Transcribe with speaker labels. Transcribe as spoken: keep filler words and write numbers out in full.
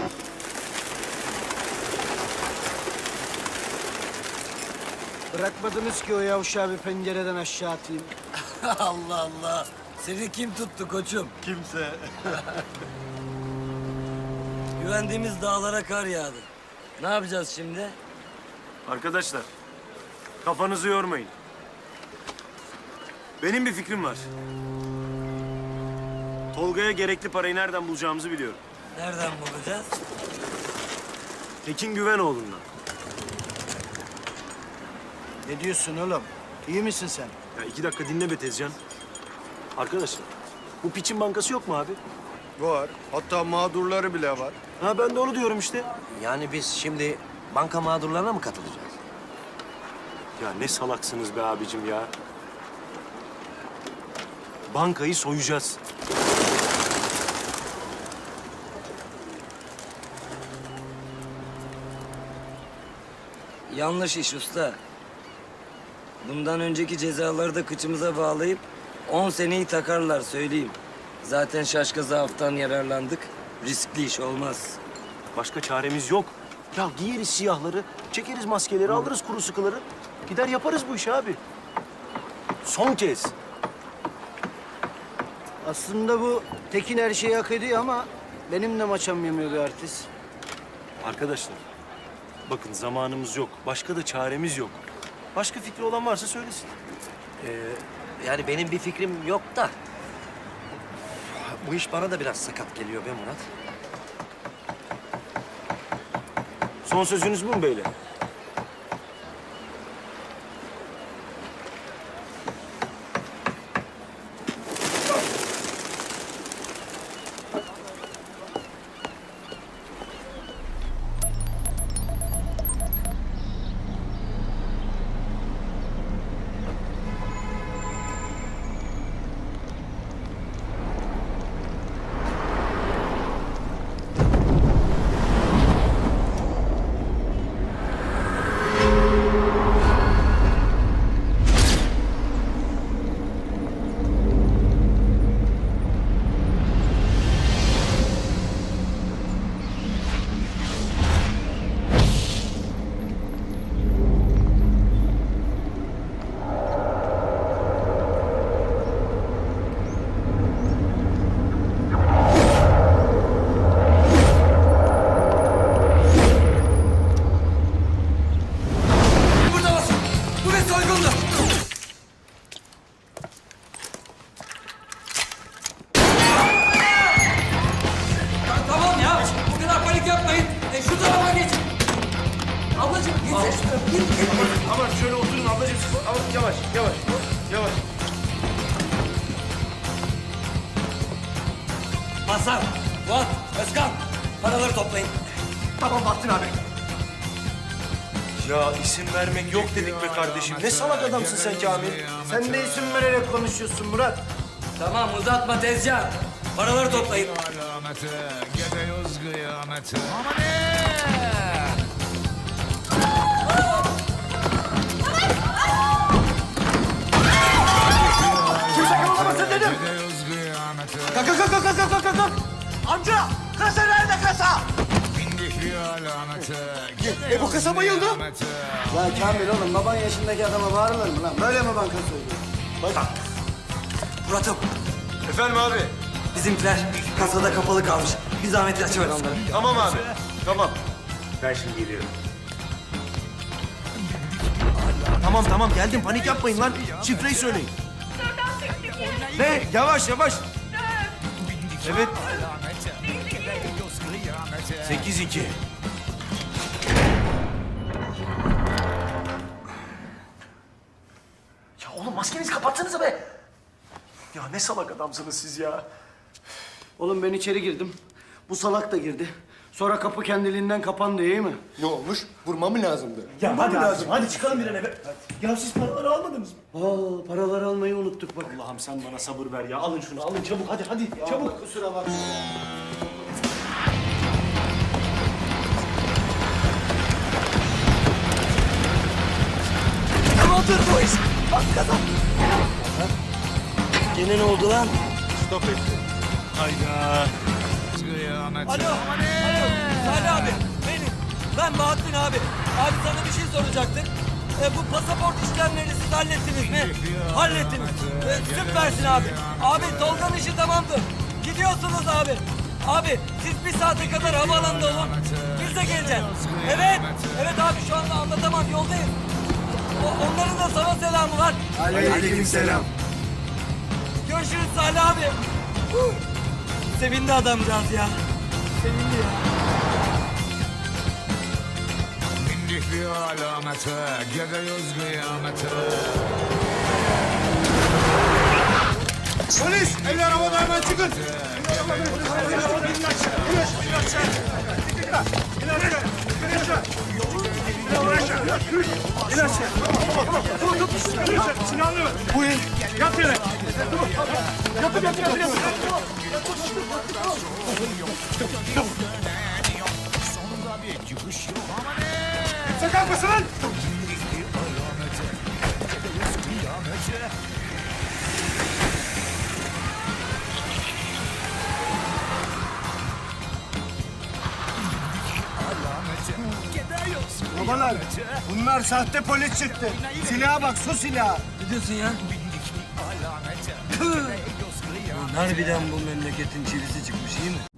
Speaker 1: Bırakmadınız ki o yavşağı bir pencereden aşağı atayım.
Speaker 2: Allah Allah. Seni kim tuttu koçum?
Speaker 3: Kimse.
Speaker 2: Güvendiğimiz dağlara kar yağdı. Ne yapacağız şimdi?
Speaker 3: Arkadaşlar, kafanızı yormayın. Benim bir fikrim var. Tolga'ya gerekli parayı nereden bulacağımızı biliyorum.
Speaker 2: Nereden bulacağız?
Speaker 3: Tekin Güvenoğlu'ndan.
Speaker 1: Ne diyorsun oğlum? İyi misin sen?
Speaker 3: Ya iki dakika dinle be Tezcan. Arkadaşlar, bu piçin bankası yok mu abi?
Speaker 4: Var. Hatta mağdurları bile var.
Speaker 3: Ha ben de onu diyorum işte.
Speaker 5: Yani biz şimdi banka mağdurlarına mı katılacağız?
Speaker 3: Ya ne salaksınız be abicim ya. Bankayı soyacağız.
Speaker 2: Yanlış iş usta. Bundan önceki cezaları da kıçımıza bağlayıp on seneyi takarlar söyleyeyim. Zaten şaşka zaaftan yararlandık. Riskli iş olmaz.
Speaker 3: Başka çaremiz yok. Ya giyeriz siyahları, çekeriz maskeleri, alırız kuru sıkıları. Gider yaparız bu işi abi. Son kez.
Speaker 1: Aslında bu Tekin her şeyi hak ediyor ama benim de maçam yemiyor be artist.
Speaker 3: Arkadaşlar, bakın zamanımız yok. Başka da çaremiz yok. Başka fikri olan varsa söylesin.
Speaker 5: Ee, yani benim bir fikrim yok da... Bu iş bana da biraz sakat geliyor be Murat.
Speaker 3: Son sözünüz bu mu beyler?
Speaker 2: Burada basın. Bu bir soygundu. Ya tamam ya. Bu kadar panik yapmayın. E, şu tarafa geçin. Ablacığım gitsene şuraya. Git, git, git.
Speaker 4: Aman şöyle oturun ablacığım. Ama yavaş, yavaş, yavaş.
Speaker 2: Hasan, Fuat, Özkan. Paraları toplayın.
Speaker 4: Tamam Bahattin abi.
Speaker 3: Ya isim vermek yok dedik be kardeşim. Ne salak adamsın sen Kamil.
Speaker 1: Sen de isim vererek konuşuyorsun Murat.
Speaker 2: Tamam uzatma tezcan. Paraları toplayın.
Speaker 6: Alameti, gidiyoruz kıyameti. Aman ne?
Speaker 4: Kimse kımıldamasın dedim.
Speaker 6: Gidiyoruz kıyameti.
Speaker 4: Kalk, kalk, kalk, kalk, kalk, kalk, kalk. Amca, kasa nerede kasa?
Speaker 6: Bindik bir alameti.
Speaker 4: E bu kasa bayıldı.
Speaker 6: Kıyameti.
Speaker 1: Ya Kamil oğlum baban yaşındaki adama bağırılır mı lan? Böyle mi banka soyuyor?
Speaker 2: Murat'ım,
Speaker 4: Efendim abi.
Speaker 2: bizimkiler kasada kapalı kalmış. Bir zahmet açıver onları.
Speaker 4: Tamam abi. Tamam.
Speaker 3: Ben şimdi geliyorum.
Speaker 4: Tamam tamam geldim panik yapmayın lan. Şifreyi söyleyin. Ne? Yavaş yavaş. Evet. Sekiz iki.
Speaker 3: Ya oğlum maskenizi kapatsanıza be. Ya ne salak adamsınız siz ya.
Speaker 1: Oğlum ben içeri girdim. Bu salak da girdi. Sonra kapı kendiliğinden kapandı iyi mi?
Speaker 4: Ne olmuş? Vurma mı lazımdı?
Speaker 3: Ya hadi lazım. Hadi çıkalım bir an eve. Ya siz paraları almadınız mı?
Speaker 1: Aa paraları almayı unuttuk bak.
Speaker 3: Allah'ım sen bana sabır ver ya. Alın şunu alın çabuk hadi hadi çabuk.
Speaker 1: Kusura bakma.
Speaker 2: Tamamdır bu iş. Bak kazan. Gene ne oldu lan?
Speaker 4: Stop etti.
Speaker 3: Hayda.
Speaker 6: Kıyameti.
Speaker 2: Alo.
Speaker 6: Aman ne?
Speaker 2: abi. Abi sana bir şey soracaktık. E, bu pasaport işlemlerini siz hallettiniz mi? Hallettiniz. E, süpersin abi. Abi Tolga'nın işi tamamdır. Gidiyorsunuz abi. Abi siz bir saate kadar havaalanında olun. Biz de geleceğiz. Evet. Evet abi şu anda anlatamam yoldayız. O, onların da sana selamı var.
Speaker 1: Aleykümselam.
Speaker 2: Görüşürüz Salih abi. Huh. Sevindi adamcağız ya. Sevindi ya.
Speaker 6: Bindik bir alamete, gidiyoruz kıyamete.
Speaker 4: Polis! Eller havada hemen çıkın! Sakın mısın lan?
Speaker 1: Babalar, bunlar sahte polis çıktı. Silaha bak, su silahı.
Speaker 2: Ne diyorsun ya? Tüh! Lan harbiden bu memleketin çivisi çıkmış iyi mi?